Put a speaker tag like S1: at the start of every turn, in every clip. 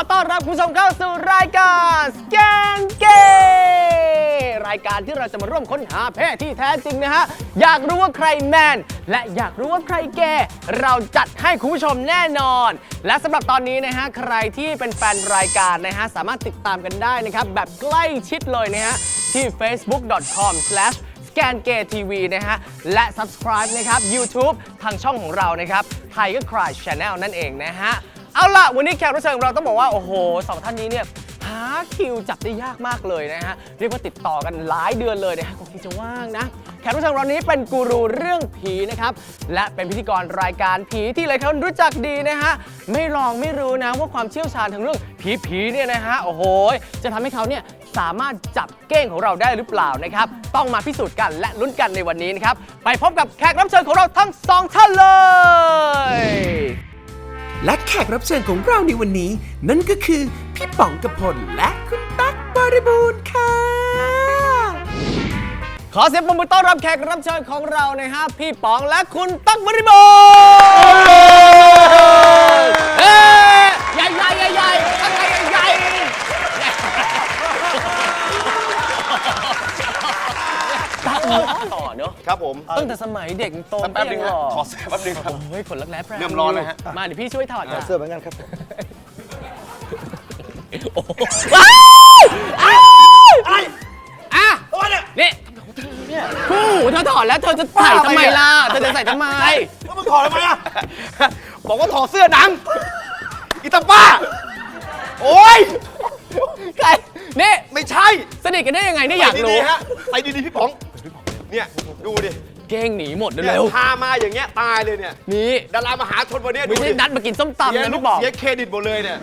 S1: ต้อนรับคุณผู้ชมเข้าสู่รายการสแกนเกย์รายการที่เราจะมาร่วมค้นหาเพศที่แท้จริงนะฮะอยากรู้ว่าใครแมนและอยากรู้ว่าใครเกย์เราจัดให้คุณผู้ชมแน่นอนและสำหรับตอนนี้นะฮะใครที่เป็นแฟนรายการนะฮะสามารถติดตามกันได้นะครับแบบใกล้ชิดเลยนะฮะที่ facebook.com/ScanGayTV นะฮะและ subscribe นะครับ YouTube ทางช่องของเรานะครับ Tiger Cry Channel นั่นเองนะฮะเอาล่ะวันนี้แขกรับเชิญของเราต้องบอกว่าโอ้โหสองท่านนี้เนี่ยหาคิวจับได้ยากมากเลยนะฮะเรียกว่าติดต่อกันหลายเดือนเลยนะฮะคงที่จะว่างนะแขกรับเชิญของเรานี้เป็นกูรูเรื่องผีนะครับและเป็นพิธีกรรายการผีที่หลายคนรู้จักดีนะฮะไม่ลองไม่รู้นะว่าความเชี่ยวชาญทางเรื่องผีเนี่ยนะฮะโอ้โหจะทำให้เขาเนี่ยสามารถจับเก้งของเราได้หรือเปล่านะครับต้องมาพิสูจน์กันและลุ้นกันในวันนี้นะครับไปพบกับแขกรับเชิญของเราทั้งสองท่านเลย
S2: และแขกรับเชิญของเราในวันนี้นั่นก็คือพี่ป๋องกพลและคุณตั๊กบริบูรณ์ค่ะ
S1: ขอเสียงปรบมือต้อนรับแขกรับเชิญของเรานะฮะพี่ป๋องและคุณตั๊กบริบูรณ์ใหญ่ตั้งใหญ่ตั๊กต่อเนอะ
S3: ครับผม
S1: ตั้งแต่สมัยเด็กโต
S3: แป๊บนึงครับถอดเสื้อแป๊บนึงครับ
S1: เฮ้ยขนรักแร้แปร
S3: เริ่มร้อนเลยฮะ
S1: มาเดี๋ยวพี่ช่วยถอด
S3: เสื้อเหมือนกันครับ
S1: อะไรอ่ะนี่คู่เธอถอดแล้วเธอจะใส่ทำไมล่ะเธอจะใส่ทำไม
S3: แล้วมึงถอดทำไมอ่ะบอกว่าถอดเสื้อหนังอีตาป้าโอ๊ย
S1: ใครนี่
S3: ไม่ใช่
S1: สนิทกันได้ยังไงนี่อยากรู้
S3: ไปดีๆพี่ป๋องเนี่ยดูดิ
S1: เก้งหนีหมดเร็ว
S3: พามาอย่างเงี้ยตายเลยเนี่ย
S1: นี่
S3: ดารามหาชนวันนี้
S1: ไม่ใช่นัดมากินส้มตำนะพี่บอก
S3: เสียเครดิตหมดเลยเนี่ย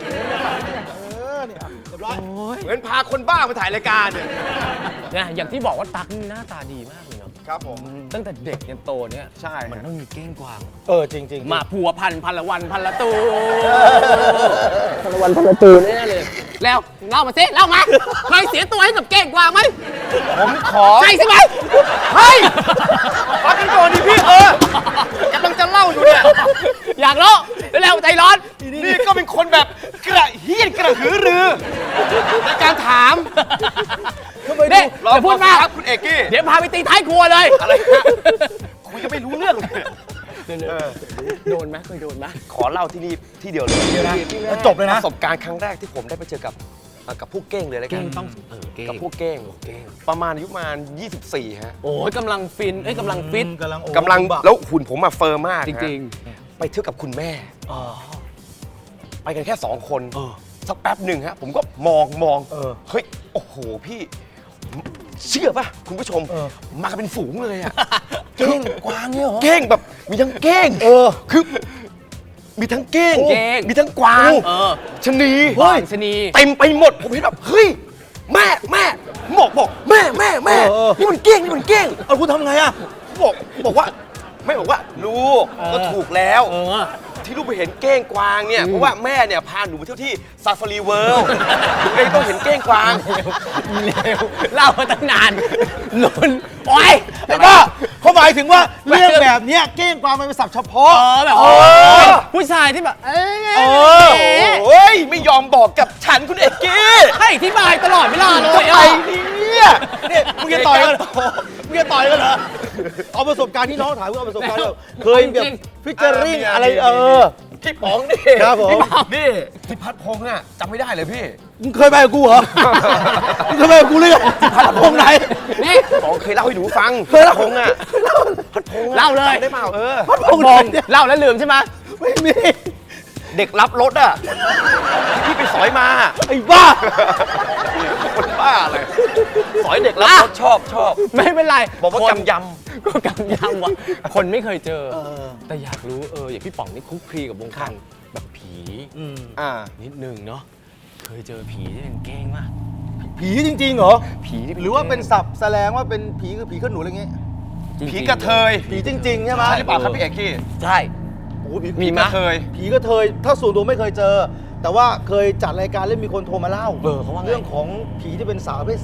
S3: เหมือนพาคนบ้ามาถ่ายรายการ
S1: เนี่ยอย่างที่บอกว่าตั๊กหน้าตาดีมากเลยเนาะ
S3: ครับผม
S1: ตั้งแต่เด็กยันโตเนี่ย
S3: ใช่
S1: มันต้องมีเก้งกวาง
S3: จริง
S1: มาผัวพันละวันพันละตูพันละวันพันละตูแน่เลยแล้วเล่ามาสิเล่ามาเคยเสียตัวให้กับเก้งกวางไหม
S3: ผมขอ
S1: ใช่ใช่ไหม
S3: เฮ้ยฟังกันก่อนดิพี่กำลังจะเล่าอยู่เนี่ย
S1: อยากรู้เร็วใจร้อน
S3: นี่ก็เป็นคนแบบกระเฮี้ยนกระหือรือในการถาม
S1: เนี่ยอย่าพูดมาก
S3: ครับคุณเอกกี้
S1: เดี๋ยวพาไปตีท้ายครัวเลย
S3: อะไรฮะคุยก็ไม่รู้เรื่องเลย
S1: โดนไหมเคยโดนไหม
S3: ขอเล่าที่นี่ที่เดียวเลย
S1: จบเลยนะ
S3: ประสบการณ์ครั้งแรกที่ผมได้ไปเจอกับพวกเก้งเลยแล้วกันกับพวกเก้งประมาณอายุประมาณ24ฮะ
S1: โอ้ยกำลังฟินกำลังฟิต
S3: กำลังแล้วหุ่นผมมาเฟิร์มมาก
S1: จริง
S3: ๆไปเที่ยวกับคุณแม่ไปกันแค่2คนสักแป๊บหนึ่งฮะผมก็มองเฮ้ยโอ้โหพี่เชื่อป่ะคุณผู้ชมมากันเป็นฝูงเลยอะ
S1: เก้งกวางเนี่ยเหรอ
S3: เก้งแบบมีทั้งเก้งคือมีทั้งเก้งมีทั้งกวางชะนี
S1: ชะนี
S3: เต็มไปหมดผมเห็นแบบเฮ้ยแม่บอกแม่นี่มันเก้ง
S1: เอาคุณทำไงอะ
S3: บอกว่าไม่บอกว่าลูกก็ถูกแล้วที่ลูกไปเห็นเก้งกวางเนี่ยเพราะว่าแม่เนี่ยพาหนูไปเที่ยวที่ซาฟารีเวิลด์หนูเลยต้องเห็นเก้งกวาง
S1: เร็วเล่ามาตั้งนานลุ้นโอ๊ย
S4: แต่ก็เขาหมายถึงว่าเรื่องแบบนี้เก้งกวางมันเป็นศัพท์เฉพาะ
S1: แบบผู้ชายที่แบบ
S3: โอ้ยไม่ยอมบอกกับฉันคุณเอกกี้
S1: ให้อธิบายตลอดเวลาเลย
S3: ไอ้เนี่ย
S4: มึงจะต่อยกันเหรอเอาประสบการณ์ที่น้องถามเอาประสบการณ์เคยแบบฟิชเจอริ่งอะไร
S3: พี่ป๋องนี่
S4: ครับผม
S3: นี่พี่พัดพงษ์อ่ะจำไม่ได้เลยพี่
S4: มึงเคยไปกับกูเหรอมึงเคยไปกับกูเลยพัดพงษ์ไหน
S1: นี่
S3: ป๋องเคยเล่าให้หนูฟัง
S4: เคยเล่า
S3: พงษ์อ่ะพัดพงษ์
S1: เล่าเลย
S3: ได้เปล่า
S4: พัดพงษ์
S1: เล่าแล้วลืมใช่ไหม
S4: ไม่มี
S3: เด็กรับรถอ่ะที่ไปสอยมา
S4: ไอ้บ้า
S3: คนบ้าเลยสอยเด็กรับรถชอบ
S1: ไม่เป็นไร
S3: บอกว่ากำย
S1: ำว่ะคนไม่เคยเจอแต่อยากรู้อย่างพี่ป๋องนี่คุกคลีกับวงการแบบผีนิดนึงเนาะเคยเจอผีที่เป็นเก้งมาก
S4: ผีจริงๆเหรอ
S3: ผี
S4: หรือว่าเป็นศัพท์แสดงว่าเป็นผีคือผีขึ้นหนูอะไรเงี้ย
S3: ผีกระเทย
S4: ผีจริงๆใช่ไหม
S3: หรือเปล่าครับพี่เอกกี้
S1: ใช่
S3: มีกระเทย
S4: ผีกระเทยถ้าส่วนตัวไม่เคยเจอแต่ว่าเคยจัดรายการเล่นมีคนโทรมาเล่าเรื่องของผีที่เป็นสาวประเภท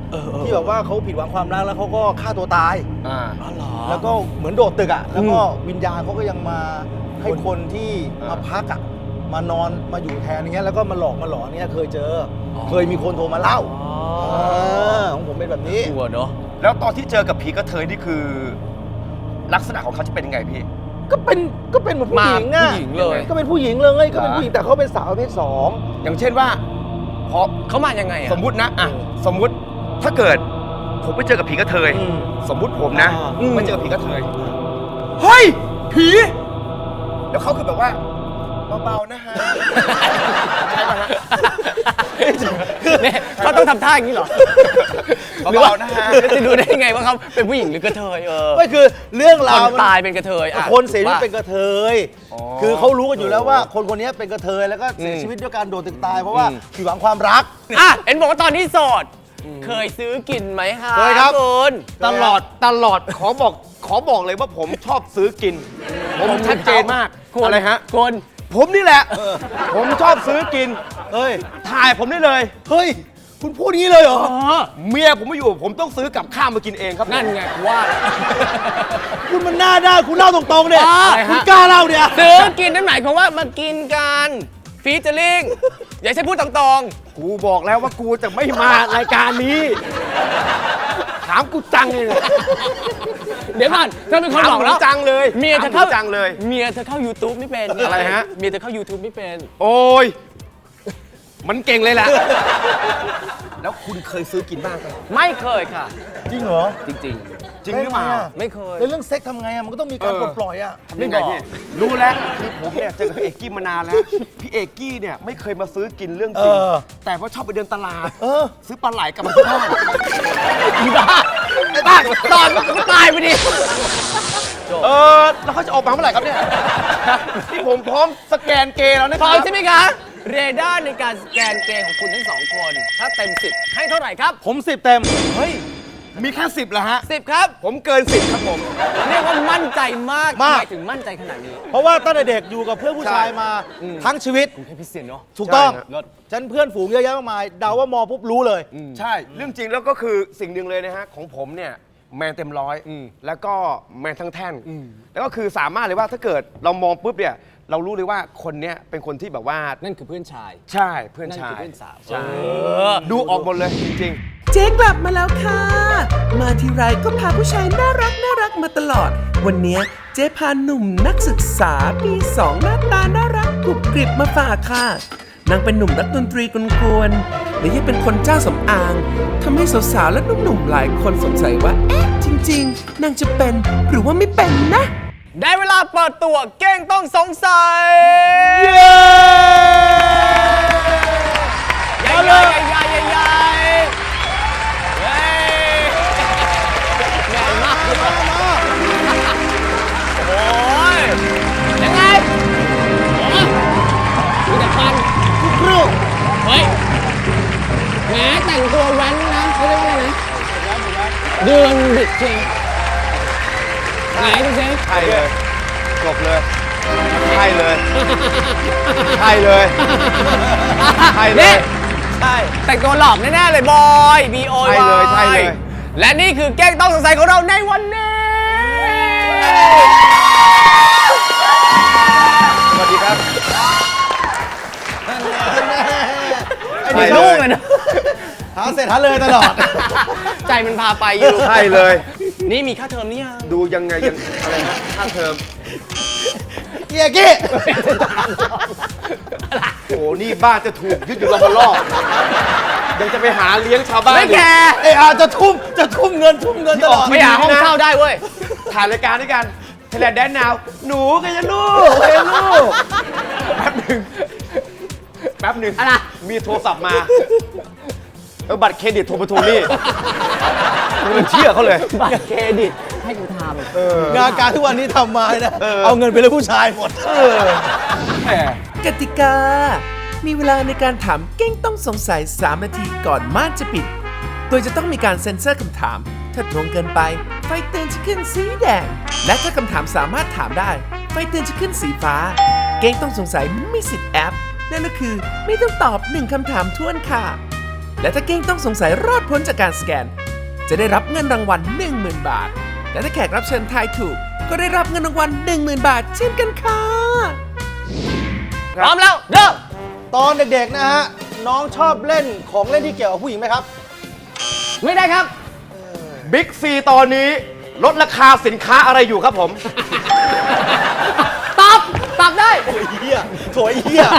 S4: 2ที่แบบว่าเขาผิดหวังความรักแล้วเขาก็ฆ่าตัวตายแล้วก็เหมือนโดดตึกอ่ะแล้วก็วิญญาณเขาก็ยังมาให้คนที่มาพักอ่ะานอนมาอยู่แทนอย่างเงี้ยแล้วก็มาหลอกมาหลอนเงี้ยเคยเจอเคยมีคนโทรมาเล่าของผมเป็นแบบนี้
S1: กลัวเนาะ
S3: แล้วตอนที่เจอกับผีกระเทยนี่คือ ลักษณะของเขาจะเป็นยังไงพี่
S4: ก็เป็นเหมือนผู้หญิงอะ
S1: ผู้หญิงเลย
S4: ก็เป็นผู้หญิงเลยก็เป็นผู้หญิงแต่เขาเป็นสาวประเภท
S3: อย่างเช่นว่าพอ
S1: เขามายังไงอะ
S3: สมมุตินะสมมุติถ้าเกิดผมไปเจอกับผีกระเทย สมมุติผมนะไปเจอกับผีกระเทยเฮ้ยผีแล้วเขาคือแบบว่าเบาๆนะฮะใช่ป่ะฮะ
S1: เนี่ยเขาต้องทำท่าอย่างนี้เหรอ หรือว่า
S3: เบาๆนะฮะ
S1: จะดูได้ยังไงว่าเขาเป็นผู้หญิงหรือกระเทย
S4: ๆไม่คือเรื่อง
S1: ค
S4: ราวน
S1: ตายเป็นกระเทยอะ
S4: คนเสียชีวิตเป็นกระเทย
S3: อ๋อ
S4: คือเขารู้กันอยู่แล้วว่าคนคนนี้เป็นกระเทยแล้วก็เสียชีวิตด้วยการโดนตึกตายเพราะว่าผิดหวังความรัก
S1: อ่ะเห็นบอกว่าตอนนี้โสด เคยซื้อกินไหมคะ
S4: เคยครับ
S1: คุณ
S3: ตลอดขอบอกเลยว่าผมชอบซื้อกิน ผมชัดเจนมาก
S1: คุณ
S3: อะไรฮะ
S1: คุณ
S3: ผมนี่แหละ ผมชอบซื้อกิน
S4: เฮ้ย
S3: ถ่ายผมได้เลย
S4: เฮ้ยคุณพูดอย่างนี้เลยเหรอ
S3: เมียผมไม่อยู่ ผมต้องซื้อกับข้าวมากินเองครับ
S1: นั่นไงว่า
S4: คุณมันหน้าด้านคุณเล่าตรงๆเนี่ย
S1: อะไรฮะ
S4: คุณกล้าเล่าเนี่ย
S1: ซื้อกินนั่นหมายความว่ามากินกันฟีเจอริงอย่าใช่พูดตรง
S3: กูบอกแล้วว่ากูจะไม่มารายการนี้ ถามกูจังเลย
S1: ๆเดี๋ยวก่อนเธอเป็นคนบอกแล้ว
S3: จังเลย
S1: เมียเธอ
S3: ถาม
S1: เข้า
S3: กูจังเลย
S1: เมียเธอเข้า YouTube ไม่เป็น
S3: อะไรฮะ
S1: เมียเธอเข้า YouTube ไม่เป็น
S3: โอ้ย มันเก่งเลยแหละ แล้วคุณเคยซื้อกินบ้างไหม
S1: ไม่เคยค่ะ
S4: จริงเหรอ
S1: จริง
S3: จริงหรือเปล่า
S1: ๆ ไม่เคย
S4: แล้วเรื่องเซ็กทำไงอะมันก็ต้องมีการปลดปล่อยอะ
S1: ไม่บอก
S3: พี่รู้แล้วคือผมเนี่ยเจอกับพี่เอกกี้มานานแล้ว พี่เอกกี้เนี่ยไม่เคยมาซื้อกินเรื่องจริง แต่ว่าชอบไปเดินตลาด ซื้อปลาไหลกลับมาที่บ้าน
S1: อีบ้าไอ้บ้าตอนมันตายไปดิ
S3: แล้วเขาจะออกมาเมื่อไหร่ครับเนี่ย ที่ผมพร้อมสแกนเกย์แล้วนะ
S1: พ
S3: ค
S1: ร้อ
S3: รั
S1: ม
S3: บ
S1: ใช่ไหมคะ เรดาร์ในการสแกนเกย์ของคุณทั้งสองคน ถ้าเต็ม 10 ให้เท่าไหร่ครับ
S4: ผม10 เต็ม
S1: เฮ้ย
S3: มีแค่10เหรอฮะ
S1: 10 ครับ
S3: ผมเกิน10ครับผม
S1: เรียกว่ามั่นใจมาก
S4: มาก
S1: ทำไมถึงมั่นใจขนาดนี้
S4: เพราะว่าตั้งแต่เด็กอยู่กับเพื่อนผู้ชายมาทั้งชีวิต
S1: คุณพิเศษเนาะ
S4: ถูกต้อง
S3: ใช่ฮะ
S4: ฉันเพื่อนฝูงเยอะแยะมากมายเดาว่ามองปุ๊บรู้เลย
S3: ใช่ เรื่องจริงแล้วก็คือสิ่งหนึ่งเลยนะฮะ ของผมเนี่ยแมนเต็มร้อย แล้วก็แมนทั้งแท่น แล้วก็คือสามารถเลยว่าถ้าเกิดเรามองปุ๊บเนี่ย เรารู้เลยว่าคนเนี้ยเป็นคนที่แบบว่า
S1: นั่นคือเพื่อนชาย
S3: ใช่เพื่อน
S1: นั่น
S3: ชา
S1: คือย เพื่อนสาว
S3: ใช่ดูออกหมดเลยจริง
S2: เจ๊กลับมาแล้วค่ะ มาทีไรก็พาผู้ชายน่ารักมาตลอด วันเนี้ยเจ๊พาหนุ่มนักศึกษาปี2หน้าตาน่ารักกรุบกริบมาฝากค่ะ นางเป็นหนุ่มนักดนตรีกวนๆและยังเป็นคนเจ้าสำอางทำให้สาวๆและหนุ่มๆหลายคนสงสัยว่า เอ๊ะ จริงๆ นางจะเป็นหรือว่าไม่เป็นนะ
S1: ได้เวลาเปิดตัวเก้งต้องสงสัย
S4: เย้
S1: ใหญ่ใหญ่ใหญ่ใหญ่ใหญ่เฮ้ยใหญ่มากโอ้ยยังไงโอ้ยดูแต่ฟัน
S4: ครู
S1: เฮ้ยแหมแต่งตัวแว้นนะเขาเรียกว่าอะไรนะเดือนบิดจริงไหนดูสิ
S3: ๆ ใช่เลยจบเลย ใช่เลย ใช่เลย ใช่เลย
S1: ใช่แต่งตัวหลอกแน่ๆเลยบอย B.O.Y
S3: ใช่เลยใช่เลย
S1: และนี่คือแก้งต้องสงสัยของเราในวันนี้
S3: สวัสดีครับ
S4: ไอ้
S3: ใช่
S4: นี่
S3: เล
S1: ลูก
S3: ย
S1: เลยนะ
S4: หาเสร็จหาเลยตลอด
S1: ใจมันพาไปอยู่
S3: ใช่เลย
S1: นี่มีค่าเทอมนี่ยัง
S3: ดูยังไงยังอะไรนะค่าเทอม
S4: เกียร์กี้
S3: โอ้โห นี่บ้านจะถูกยึดอยู่ลำบลอกยังจะไปหาเลี้ยงชาวบ้าน
S1: ไม่
S3: อีก
S1: แคร์
S4: ไอ้อาจะทุ่มเงินตลอด
S1: ไม่หาห้องเช่าได้เว้ย
S3: ถ่ายรายการด้วยกันไทยแลนด์แดนนาว หนูกันยังลูกเฮ้ยลูก แป๊บหนึ่ง
S1: อะไร
S3: มีโทรศัพท์มาบัตรเครดิตโทรมาทวงหนี้มันเชื่อเขาเลย
S1: บัตรเครดิตให้กูท
S4: งานการทุกวันนี้ทำมานะเอาเงินไปเลยผู้ชายหมด
S3: แหม
S2: กติกา มีเวลาในการถามเก้งต้องสงสัย 3 นาทีก่อนม่านจะปิด โดยจะต้องมีการเซ็นเซอร์คำถาม ถ้าตรงเกินไป ไฟเตือนจะขึ้นสีแดง และถ้าคำถามสามารถถามได้ ไฟเตือนจะขึ้นสีฟ้า เก้งต้องสงสัยมีสิทธิ์แอป นั่นก็คือไม่ต้องตอบ 1 คำถามท้วนค่ะ และถ้าเก้งต้องสงสัยรอดพ้นจากการสแกน จะได้รับเงินรางวัล 10,000 บาท และถ้าแขกรับเชิญทายถูก ก็ได้รับเงินรางวัล 10,000 บาทเช่นกันค่ะ
S1: พร้อมแล้วเริ่ม
S4: ตอนเด็กๆนะฮะน้องชอบเล่นของเล่นที่เกี่ยวกับผู้หญิงไหมครับ
S1: ไม่ได้ครับ
S3: บิ๊กซีตอนนี้ลดราคาสินค้าอะไรอยู่ครับผม
S1: ตอบได้
S4: เฮียโถยเฮีย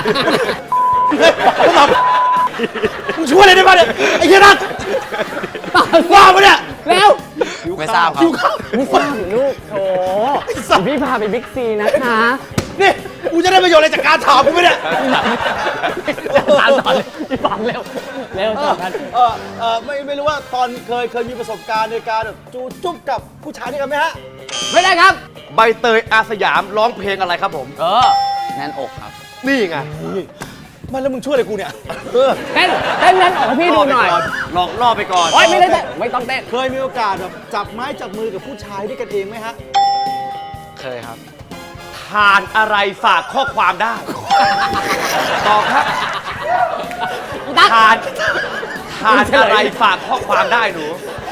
S4: มึงช่วยอะไรได้บ้างเนี่ยไอ้เฮียนัทว่าปะเนี่ย
S1: เร็ว
S5: ไม่ทราบครับ
S1: ไม่ทราบเหรอลูกโถพี่พาไปบิ๊กซีนะคะ
S4: นี่กูจะได้ประโยชน์อะไรจากการถามกูไหมเนี่ย
S1: ถามต่อเลยพี่ฟังเร็วตอบกัน
S4: ไม่รู้ว่าตอนเคยมีประสบการณ์ในการแบบจูจุ๊บกับผู้ชายด้วยกันไหมฮะ
S1: ไม่ได้ครับ
S3: ใบเตยอาสยามร้องเพลงอะไรครับผม
S5: แน่นอกครับ
S3: นี่ไง
S4: ไมันแล้วมึงช่วยอะไรกูเนี่ย
S1: เต้นนั้นออกให้พี่ดูหน่อย
S3: ลองล่อไปก่อน
S1: โอ๊ยไม่ได้เต้นไม่ต้องเต้น
S4: เคยมีโอกาสแบบจับไม้จับมือกับผู้ชายด้วยกันเองไหมฮะ
S5: เคยครับ
S3: ทานอะไรฝากข้อความได้ ตอบครับ ทานอะไรฝากข้อความได้หนู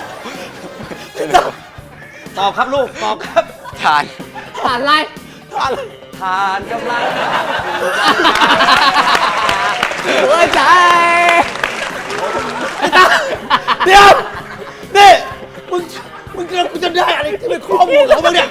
S3: ตอบครับลูก ตอบครับ
S5: ทาน
S1: ผ่านอะไร
S3: ทานกำลัง
S1: หัวใจ
S4: เดี๋ยว นี่มึงเจอกูจะได้อะไรที่เป็นข้อมูลของมึงเนี่ย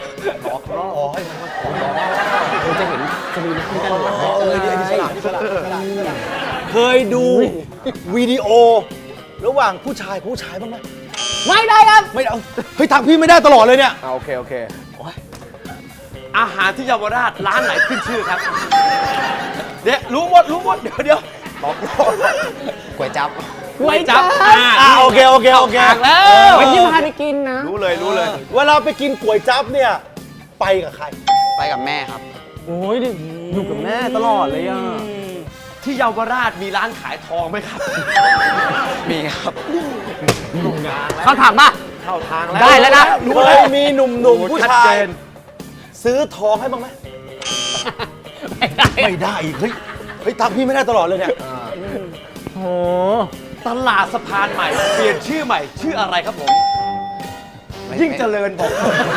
S1: คุณจะเห็นจะมีน้ำกันหมด
S4: นี่ฉลาดเคยดูวิดีโอ ระหว่างผู้ชายกับผู้ชายบ้างไหม
S1: ไม่ได้ครับ
S4: ไม่เอาเฮ้ยทางพี่ไม่ได้ตลอดเลยเนี่ย
S3: โอเค อาหารที่เยาวราชร้านไหนขึ้นชื่อครับ เดี๋ยวรู้หมด เดี๋ยวตอบ
S5: ก๋วยจั๊บ
S1: ไว้จับ
S4: โอเค
S1: แล้ววันนี้พาไปกินนะ
S3: รู้เลย
S4: เวลาไปกินก๋วยจั๊บเนี่ยไปกับใคร
S5: ไปกับแม่ครับ
S1: โอ้ยอยู่กับแม่ตลอดเลยอ่ะ
S3: ที่เยาวราชมีร้านขายทองไหมครับ
S5: มีครับ
S1: เขาถามป่ะ
S3: เข้าทางแล้ว
S1: ได้แล้วนะ
S4: เคยมีหนุ่มๆผู้ชาย ซื้อทองให้บ้างไหม ไม่ได้อีกเฮ้ยทางพี่ไม่ได้ตลอดเลยเนี่ย
S1: โอ้
S3: ตลาดสะพานใหม่ เปลี่ยนชื่อใหม่ ชื่ออะไรครับผม ยิ่งเจริญบอก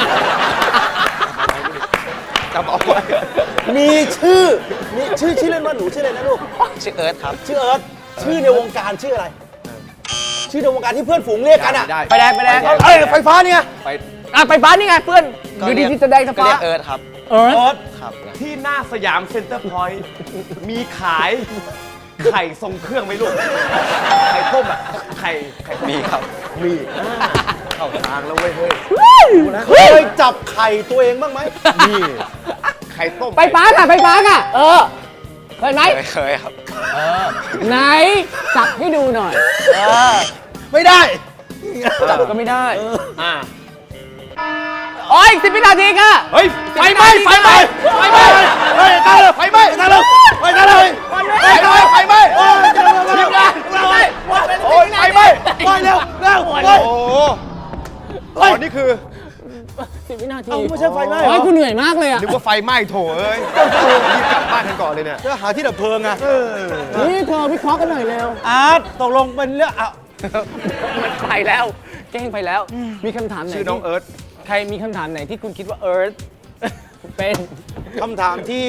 S3: จำเอาไว้
S4: มีชื่อเล่นว่าหนูชื่ออะไรนะลูก
S5: ชื่อเอิร์ธครับ
S4: ชื่อเอิร์ธชื่อในวงการชื่ออะไร ชื่อในวงการที่เพื่อนฝูงเรียกกันอ่ะ
S3: ได้
S1: ไปแดง
S4: เอ้ยไฟฟ้าเนี่ย
S3: ไป
S1: ไปบ้านนี่ไงเพื่อนอยู่ดีที่แสดงส
S5: ก็
S1: ปา
S5: เรียกเอิร์ธครับ
S1: เอิร์ธ
S4: เอิร์ธ
S5: ครับ
S3: ที่หน้าสยามเซ็นเตอร์พอยต์มีขายไข่ทรงเครื่องไหมลูก ไข่ต้มอ่ะ ไข่
S5: มีครับ
S3: มีเข้าทางแล้วเว้ยเฮ้ย
S4: เคยจับไข่ตัวเองบ้างไหม
S3: นี่ไข่ต้ม
S1: ไปป้าค่ะเคยไหม
S5: เคยครับ
S1: ไหนจับให้ดูหน่อย
S4: ไม่ได้
S1: จับก็ไม่ได้
S3: อ่า
S1: โอ้ย10 วินาทีค่ะ
S3: เฮ้ย ไฟไหม้ไฟไหม้ไฟไหม้เฮ้ยตายเลยไฟไหม้ตายเลยไฟตายเลยไฟไหม้ทีมงานโอ้ยไฟไหม้ไฟเร็วโอ้โหอ๋อนี่คือ
S1: 10 วินาที
S4: เอาไม่ใช่ไฟไหม้เหร
S1: โอ้
S4: อย
S1: กูเหนื่อยมากเลยอ่ะ
S3: นึกว่าไฟไหม้โถเอ้ยรีบกลับบ้านกันก่อนเลยเนี่ย
S4: จะหาที่ดับเพลิงไง
S1: นี่เธอวิเคราะห์กันหน่อยเร็ว
S4: อาร์ตตกลงเป็นเรื่องอ่ะ
S1: มันไปแล้วแกล้งไปแล้ว มีคำถามไหน
S3: ชื่อน้องเอิร์ธ
S1: ใครมีคำถามไหนที่คุณคิดว่าเอิร์ธเป็น
S4: คำถามที่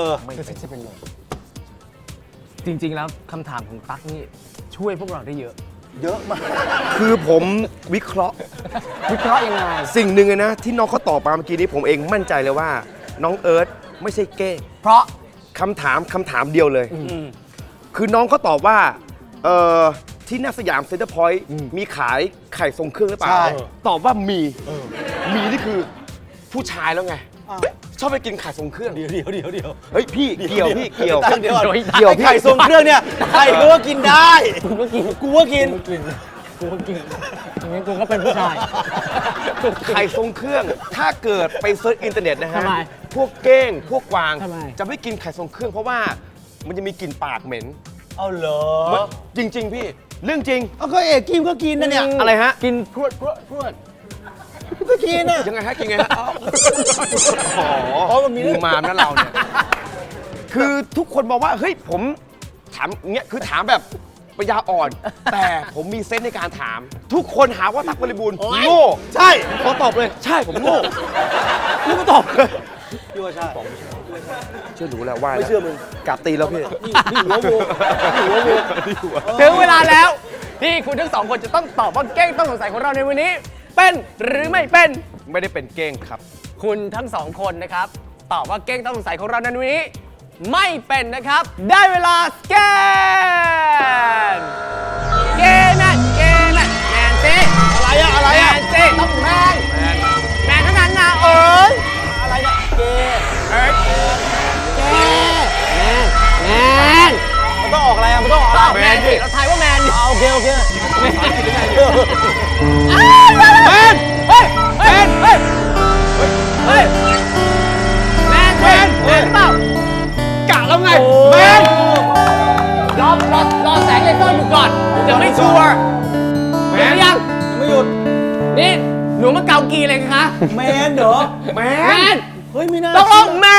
S1: จริง ๆ แล้วคำถามของตั๊กนี่ช่วยพวกเราได้เยอะ
S4: เยอะมาก
S3: คือผมวิเคราะห์
S1: วิเคราะห์ยังไง
S3: สิ่งหนึ่งเลยนะที่น้องเขาตอบมาเมื่อกี้นี้ผมเองมั่นใจเลยว่า น้องเอิร์ธไม่ใช่เก้ง
S1: เพราะ
S3: คำถามเดียวเลย คือน้องเขาตอบว่าที่หน้าสยามเซ็นเตอร์พอยต์มีขายไข่ทรงเครื่องหรือเปล่า
S4: ใช่
S3: ตอบว่ามีนี่คือผู้ชายแล้วไง ชอบไปกินไข่ทรงเครื่อง
S4: เดี๋ยว
S3: เฮ้ยพี่เกี่ยวพี่เกี่ยว
S4: ตั้งเดี๋ยวก่อน
S3: เกี่ยว
S4: ไอ้ไข่ทรงเครื่องเนี่ยใครก็ว่ากินได้ กูก็กิน
S1: กูก็กินอย่างนี้กูก็เป็นผู้ชาย
S3: ไข่ทรงเครื่อง ถ้าเกิดไปเซิร์ชอินเทอร์เน็ตนะฮะ
S1: ทำไม
S3: พวกเก้งพวกกวาง
S1: ทำไม
S3: จะไม่กินไข่ทรงเครื่องเพราะว่ามันจะมีกลิ่นปากเหม็น
S4: เอาเหรอ
S3: จริง ๆ พี่เรื่องจริง
S4: เอาก็เอกกินก็กินนะเนี่ย
S3: อะไรฮะ
S1: กินพรวด
S4: ก็กินอ่ะ
S3: ยังไงฮะกินไงฮะ
S4: อ๋อมันมีเรื่อง
S3: มามนะเราเนี่ย คือทุกคนบอกว่า เฮ้ย ผมถามเงี้ย คือถามแบบปัญญาอ่อน แต่ผมมีเซนส์ในการถาม ทุกคนหาว่าตั๊กบริบูรณ์โง่
S4: ใช่
S3: ขอตอบเลย ใช่ ผมโง่กูก็ตอบเลย
S4: พี่ว่าใช่
S3: เชื่อหนูแล้วว่า
S4: ไม่เชื่อมึง
S3: กราบตีแล้วพี่
S4: นี่หัวโวนี่หัวโว
S1: ถึงเวลาแล้วที่คุณทั้งสองคนจะต้องตอบว่าเก้งต้องสงสัยของเราในวันนี้ เป็นหรือไม่เป็น
S3: ไม่ได้เป็นเก้งครับ
S1: คุณทั้งสองคนนะครับ ตอบว่าเก้งต้องสงสัยของเราในวันนี้ ไม่เป็นนะครับ ได้เวลาสแกนเกมแมนเกมแมนแมนสิอะไรแมนสิต้องแมนแมนเท่านั้นนะเอิร์ธ
S4: อะไรเนี่ยเกย์
S1: เอิร์ธเกแมน
S4: มันต้องออกอะไรอ่ะมันต้องออกอะไร
S1: แมนสิเราทายว่าแมน
S4: โอเคโอเค
S1: แมนเฮ้ยเฮ้ยเฮ้ยเฮ้ยแมนแมนแมนหรือเปล่ากะแล้วไงแมนรอแสงเลเซอร์อยู่ก่อนยังไม่ชัวร์แมนยัง
S4: ไม่หยุด
S1: นี่หนูมาเกากีเลยคะ
S4: แมนเหรอ
S1: แมน
S4: เฮ้ยไม่น่า
S1: ต้องลงแม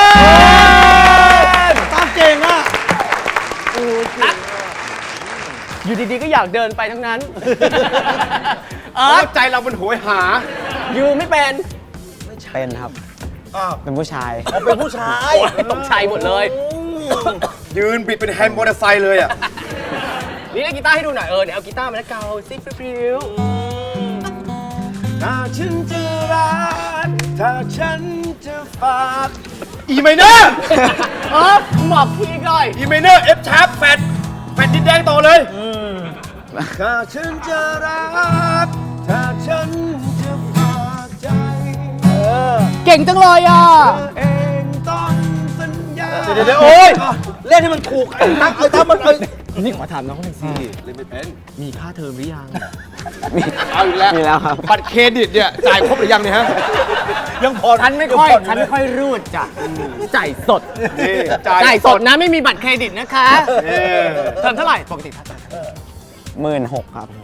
S1: น
S4: ตามเก่งอ่ะ
S1: นักอยู่ดีๆก็อยากเดินไปทั้งนั้นเออ
S3: ใจเรามันโหยหา
S1: อยู่ไม่เป็น
S5: เป็นครับ
S4: อ้าว
S5: เป็นผู้ชาย
S4: เขาเป็นผู้ชาย
S1: โอ้ยตกใจหมดเลย
S3: ยืนบิดเป็นแฮนด์มอเตอร์ไซค์เลยอ่ะ
S1: นี่เล่นกีตาร์ให้ดูหน่อยเดี๋ยวเอากีตาร์มาแล้วเกาซิปริ้ว
S3: ถ้าฉันจะรักถ้าฉันจะฝากอีไมเนอร์
S1: หมอบพี่ก่อย
S3: อีไมเนอร์เอฟชาร์ปแฟดดินแดงต่อเลยถ้าฉันจะรักถ้าฉันจะฝากใจ
S1: เก่งจังเลยอ่ะ
S3: เองต้องสัญญา
S4: เดี๋ยวโอ้ยเล่นให้มันถูกไอ้ตั๊กไอ้ตั๊กมัน
S1: นี่ขอถามน้องหน่อยสิ
S3: เล่นไม่เป็น
S1: มีค่าเทอมหรือยัง
S3: เอาอีกแล้ว
S5: มีแล้วครับ
S3: บัตรเครดิตเนี่ยจ่ายครบหรือยังเนี่ยฮะ
S4: ยังพอ
S1: ฉันไม่ค่อยรูดจ้ะจ่ายสด
S3: นี่
S1: จ่ายสดนะไม่มีบัตรเครดิตนะคะเทอมเท่าไหร่ปกติถ้าจ่าย
S5: 16,000 ครับ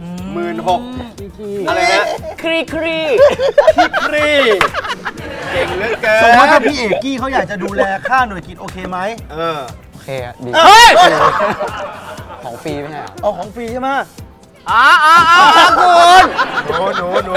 S3: 16,000อะไรฮะ
S1: ครี
S3: ครีเก่งเหลือเกิน
S4: สมมติถ้าพี่เอกกี้เขาอยากจะดูแลค่าหน่วยกิจโอเคไหม
S5: โอเคอะดี
S1: เฮ้ย
S5: ของฟรีไม่ใช่เหรอ
S4: เอาของฟรีใช่ไหม
S1: คุณ
S3: หนู
S1: คุณ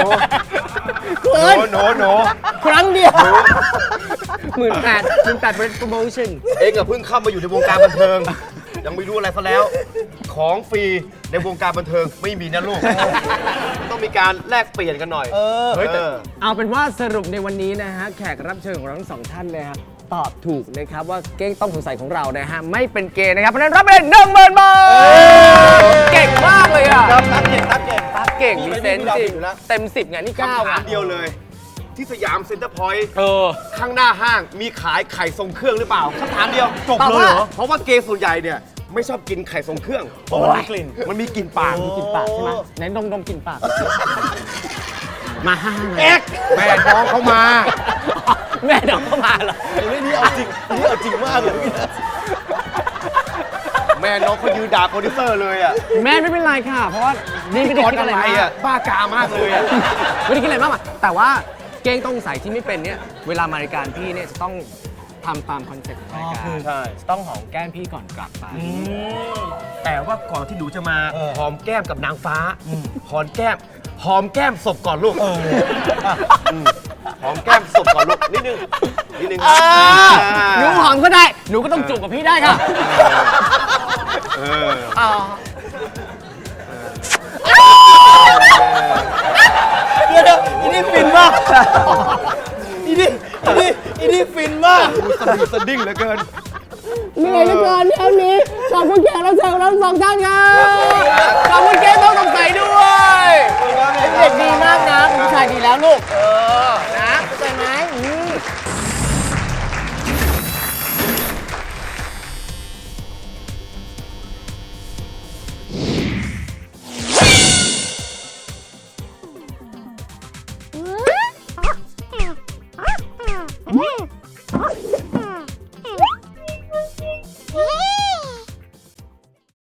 S1: ครั้งเดียว18,000เป็นโปรโมชั่น
S3: เองอะเพิ่งเข้ามาอยู่ในวงการบันเทิง ยังไม่รู้อะไรซะแล้ว ของฟรีในวงการบันเทิงไม่มีนะลูก ต้องมีการแลกเปลี่ยนกันหน่อยเฮ้ยแต่
S1: เอาเป็นว่าสรุปในวันนี้นะฮะแขกรับเชิญของเราทั้งสองท่านเลยครับตอบถูกนะครับว่าเก้งต้องสงสัยของเรานะฮะไม่เป็นเกย์นะครับเพราะฉะนั้นรับไปเลย10,000 บาทเก่งมากเลยอ่ะ
S4: ครับตั๊กเก่งตั๊กเก่ง
S1: ตั๊กเก่งมีเซนส์จริง
S4: อยู่แล้ว
S1: เต็ม10ไงนี่9
S3: คำถา
S1: อ่ะ
S3: มเดียวเลย ที่สยามเซ็นเตอร์พอยต์
S1: เออ
S3: ข้างหน้าห้างมีขายไข่ทรงเครื่องหรือเปล่าคำถามเดียว
S4: จบเลยเหรอ
S3: เพราะว่าเกย์ส่วนใหญ่เนี่ยไม่ชอบกินไข่ทรงเครื่อง
S4: เพราะมันมีกลิ่น
S3: มันมีกลิ่นปาก
S1: กินปากใช่ไหมไหนดมกลินปากมาห้าง
S3: แอ๊กแม่น้องเขามา
S1: แม่ดอกเข้ามาเหรอ
S4: นี่เอาจริงนี่เอาจริงมากเลยพี่นะ
S3: แม่น้องเขายืนด่าโปรดิวเซอร์เลยอ่ะ
S1: แม่ไม่เป็นไรค่ะ เพราะว่านี่ไม่ได้คิดอะไร
S3: อะไร
S1: มาก
S3: อ่ะบ้ากามากเลยอ่ะ
S1: ไม่ได้คิดอะไรมากอะแต่ว่าเก้งต้องใส่ที่ไม่เป็นเนี่ยเวลามารายการพี่เนี่ยจะต้องทำตามคอนเซ็ปต์ของรายการ
S3: ใช่
S1: ต้องหอมแก้มพี่ก่อนกลับไป
S3: แต่ว่าก่อนที่หนูจะมาหอมแก้มกับนางฟ้าหอมแก้มศพก่อนลูกหอมแก้มศพก่อนลูกนิดนึง
S1: หนูหอมก็ได้ หนูก็ต้องจูบกับพี่ได้ค่ะ
S3: เออ
S1: อ๋อ
S4: เดี๋ยวอีนี่ฟินมากอีนี่ฟินมาก
S3: สดิ้งเหลือเกิน
S1: เหนื่อยเหลือเกินเทปนี้ขอบคุณแขกรับเชิญของเราทั้งสองท่านครับขอบคุณเก้ง